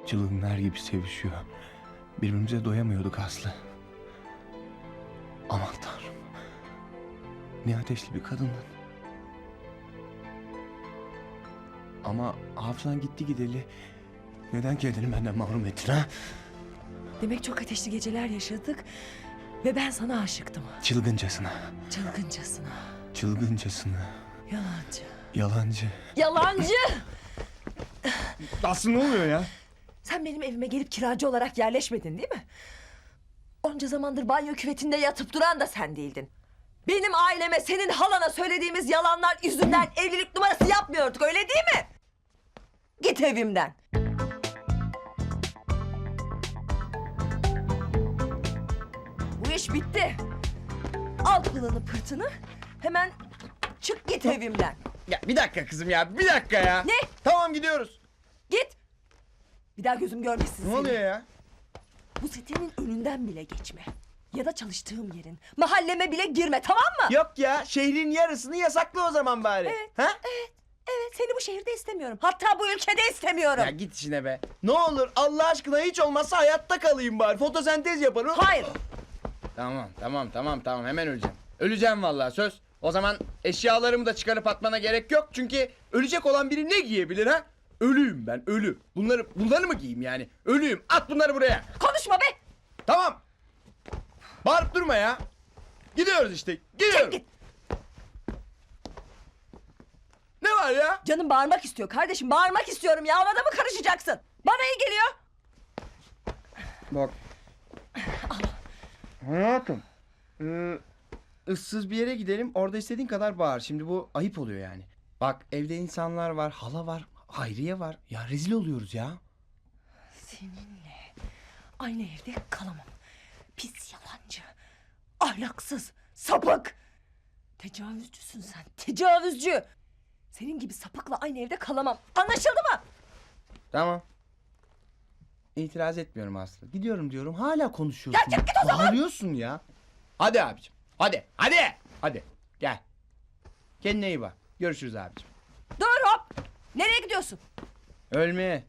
Çılgınlar gibi sevişiyor. Birbirimize doyamıyorduk Aslı. Aman Tanrım. Ne ateşli bir kadındın. Ama hafızan gitti gideli. Neden kendini benden mahrum ettin ha? Demek çok ateşli geceler yaşadık ve ben sana aşıktım. Çılgıncasına. Çılgıncasına. Çılgıncasına. Yalancı. Yalancı. Yalancı! Aslı ne oluyor ya? Sen benim evime gelip kiracı olarak yerleşmedin değil mi? Onca zamandır banyo küvetinde yatıp duran da sen değildin. Benim aileme, senin halana söylediğimiz yalanlar yüzünden evlilik numarası yapmıyorduk, öyle değil mi? Git evimden. Bu iş bitti. Al pılını pırtını, hemen çık git evimden. Ya bir dakika kızım ya, bir dakika ya. Ne? Tamam gidiyoruz. Git. Bir daha gözüm görmesin Ne seni. oluyor ya? Bu sitenin önünden bile geçme. Ya da çalıştığım yerin, mahalleme bile girme, tamam mı? Yok ya, şehrin yarısını yasaklı o zaman bari. Evet, Ha? Evet, seni bu şehirde istemiyorum. Hatta bu ülkede istemiyorum. Ya git işine be. Ne olur Allah aşkına hiç olmazsa hayatta kalayım bari. Fotosentez yaparım. Hayır. Tamam hemen öleceğim. Öleceğim vallahi söz. O zaman eşyalarımı da çıkarıp atmana gerek yok. Çünkü ölecek olan biri ne giyebilir ha? Ölüyüm ben, ölü. Bunları mı giyeyim yani? Ölüyüm. At bunları buraya. Konuşma be. Tamam. Bağırıp durma ya. Gidiyoruz işte. Gidiyoruz. Git. Ne var ya? Canım bağırmak istiyor kardeşim. Bağırmak istiyorum ya. Ona da mı karışacaksın? Bana iyi geliyor. Bak. Hayatım. Issız bir yere gidelim. Orada istediğin kadar bağır. Şimdi bu ayıp oluyor yani. Bak evde insanlar var. Hala var. Hayriye var. Ya rezil oluyoruz ya. Seninle aynı evde kalamam. Pis yalancı. Ahlaksız. Sapık. Tecavüzcüsün sen. Tecavüzcü. Senin gibi sapıkla aynı evde kalamam. Anlaşıldı mı? Tamam. İtiraz etmiyorum Aslı. Gidiyorum diyorum. Hala konuşuyorsun. Ya çık git o zaman. Bağırıyorsun ya. Hadi abicim. Hadi. Gel. Kendine iyi bak. Görüşürüz abicim. Dur hop. Nereye gidiyorsun? Ölmeye.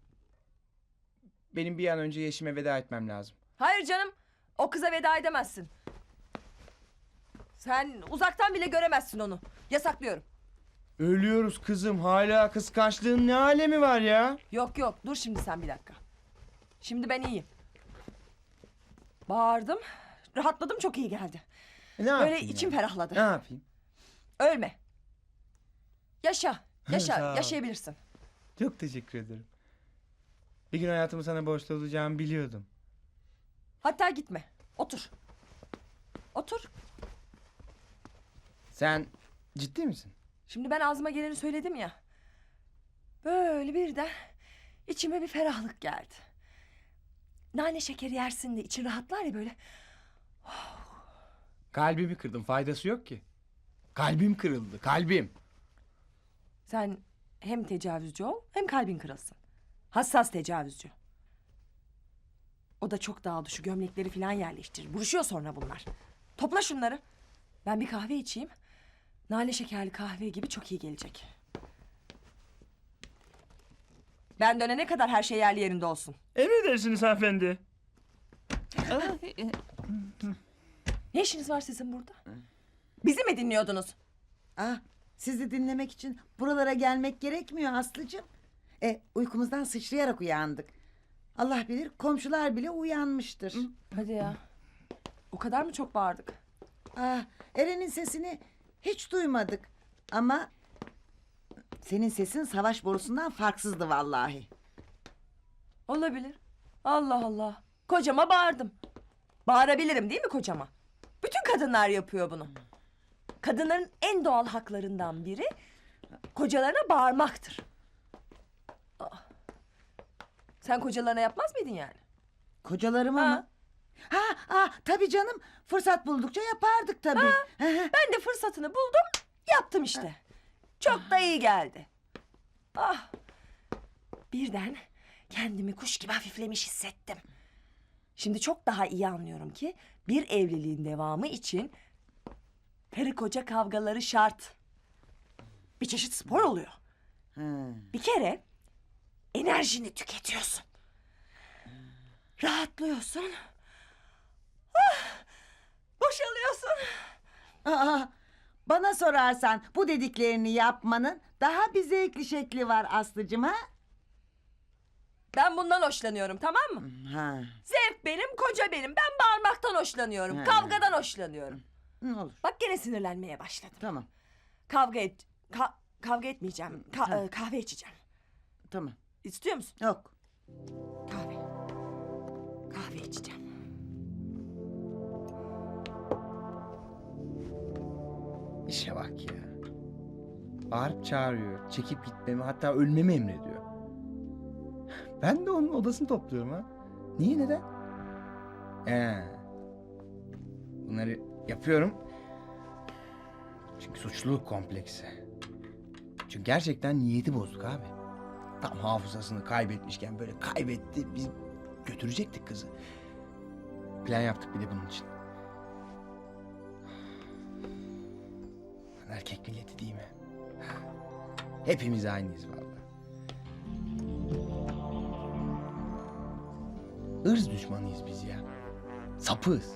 Benim bir an önce Yeşim'e veda etmem lazım. Hayır canım. O kıza veda edemezsin. Sen uzaktan bile göremezsin onu. Yasaklıyorum. Ölüyoruz kızım. Hala kıskançlığın ne alemi var ya? Yok dur şimdi sen bir dakika. Şimdi ben iyiyim. Bağırdım. Rahatladım, çok iyi geldi. Ne Böyle yapayım içim ya? ferahladı. Ne yapayım? Ölme. Yaşa. Sağ ol. Yaşayabilirsin. Çok teşekkür ederim. Bir gün hayatımı sana borçlu olacağımı biliyordum. Hatta gitme. Otur. Otur. Sen ciddi misin? Şimdi ben ağzıma geleni söyledim ya. Böyle birden içime bir ferahlık geldi. Nane şekeri yersin de için rahatlar ya böyle. Kalbimi kırdım. Faydası yok ki. Kalbim kırıldı. Kalbim. Sen hem tecavüzcü ol hem kalbin kırılsın. Hassas tecavüzcü. O da çok dağıldı, şu gömlekleri falan yerleştirir. Buruşuyor sonra bunlar. Topla şunları. Ben bir kahve içeyim. Nane şekerli kahve gibi çok iyi gelecek. Ben dönene kadar her şey yerli yerinde olsun. Emredersiniz hanımefendi. Ne işiniz var sizin burada? Bizi mi dinliyordunuz? Ah, sizi dinlemek için buralara gelmek gerekmiyor Aslıcığım. Uykumuzdan sıçrayarak uyandık. Allah bilir komşular bile uyanmıştır. Hadi ya. O kadar mı çok bağırdık? Ah, Eren'in sesini hiç duymadık. Ama senin sesin savaş borusundan farksızdı vallahi. Olabilir. Allah Allah. Kocama bağırdım. Bağırabilirim değil mi kocama? Bütün kadınlar yapıyor bunu. Kadınların en doğal haklarından biri kocalarına bağırmaktır. Aa. Sen kocalarına yapmaz mıydın yani? Kocalarıma Ha. mı? Tabii canım. Fırsat buldukça yapardık tabii. Ben de fırsatını buldum, yaptım işte. Çok da iyi geldi. Ah. Birden kendimi kuş gibi hafiflemiş hissettim. Şimdi çok daha iyi anlıyorum ki bir evliliğin devamı için karı koca kavgaları şart. Bir çeşit spor oluyor. Ha. Bir kere enerjini tüketiyorsun. Rahatlıyorsun. Ah, boşalıyorsun. Aa, bana sorarsan bu dediklerini yapmanın daha bir zevkli şekli var Aslıcığım ha? Ben bundan hoşlanıyorum, tamam mı? Ha, Zevk benim, koca benim. Ben bağırmaktan hoşlanıyorum. He. Kavgadan hoşlanıyorum. olur. Bak gene sinirlenmeye başladım. Tamam, Kavga etmeyeceğim. Kahve içeceğim. tamam. İstiyor musun? Yok. Kahve. Kahve içeceğim. İşe bak ya. Bağırıp çağırıyor. Çekip gitmemi, hatta ölmemi emrediyor. Ben de onun odasını topluyorum ha. Niye, neden? Bunları yapıyorum. Çünkü suçluluk kompleksi. Çünkü gerçekten niyeti bozuk abi. Tam hafızasını kaybetmişken böyle kaybetti. Biz götürecektik kızı. Plan yaptık bir de bunun için. Lan erkek milleti değil mi? Hepimiz aynıyız vallahi. Irz düşmanıyız biz ya. Sapığız.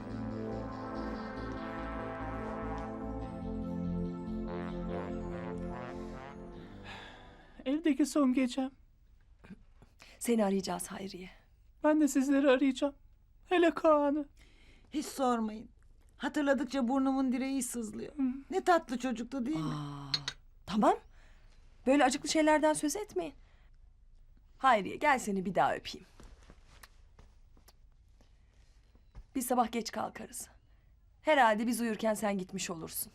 Evdeki son gecem. Seni arayacağız Hayriye. Ben de sizleri arayacağım. Hele Kaan'ı. Hiç sormayın. Hatırladıkça burnumun direği sızlıyor. Ne tatlı çocuktu değil mi? Tamam. Böyle acıklı şeylerden söz etmeyin. Hayriye gel seni bir daha öpeyim. Bir sabah geç kalkarız. Herhalde biz uyurken sen gitmiş olursun.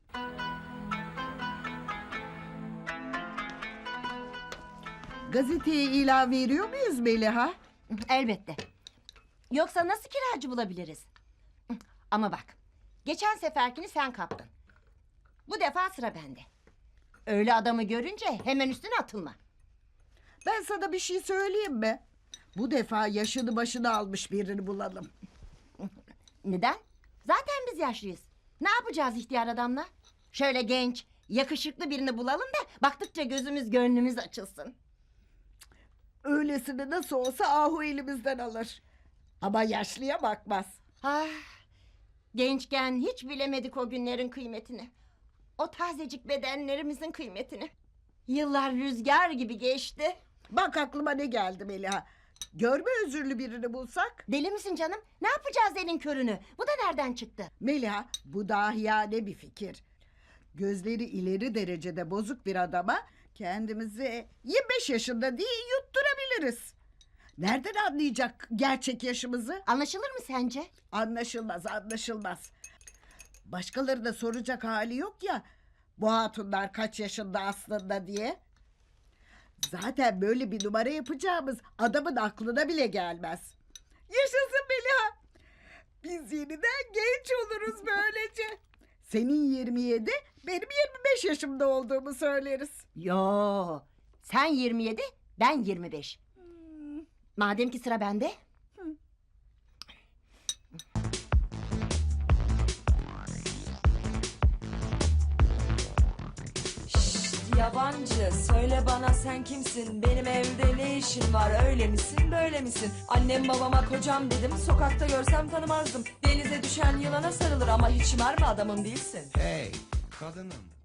Gazeteye ilan veriyor muyuz Meliha? Elbette. Yoksa nasıl kiracı bulabiliriz? Ama bak, geçen seferkini sen kaptın. Bu defa sıra bende. Öyle adamı görünce hemen üstüne atılma. Ben sana bir şey söyleyeyim mi? Bu defa yaşını başını almış birini bulalım. Neden? Zaten biz yaşlıyız. Ne yapacağız ihtiyar adamla? Şöyle genç, yakışıklı birini bulalım da baktıkça gözümüz gönlümüz açılsın. Öylesini nasıl olsa ahu elimizden alır. Ama yaşlıya bakmaz. Ah, gençken hiç bilemedik o günlerin kıymetini. O tazecik bedenlerimizin kıymetini. Yıllar rüzgar gibi geçti. Bak aklıma ne geldi Meliha. Görme özürlü birini bulsak. Deli misin canım? Ne yapacağız elin körünü? Bu da nereden çıktı? Meliha, bu dahiyane bir fikir. Gözleri ileri derecede bozuk bir adama kendimizi 25 yaşında diye yutturabiliriz. Nereden anlayacak gerçek yaşımızı? Anlaşılır mı sence? Anlaşılmaz, anlaşılmaz. Başkaları da soracak hali yok ya. Bu hatunlar kaç yaşında aslında diye. Zaten böyle bir numara yapacağımız adamın aklına bile gelmez. Yaşasın Meliha. Biz yeniden genç oluruz böylece. Senin 27, benim 25 yaşımda olduğumu söyleriz. Yo, sen 27, ben 25. Madem ki sıra bende. Yabancı söyle bana sen kimsin? Benim evde ne işin var? Öyle misin böyle misin? Annem babama kocam dedim. Sokakta görsem tanımazdım. Denize düşen yılana sarılır ama hiç şımarma adamın değilsin. Hey kadınım.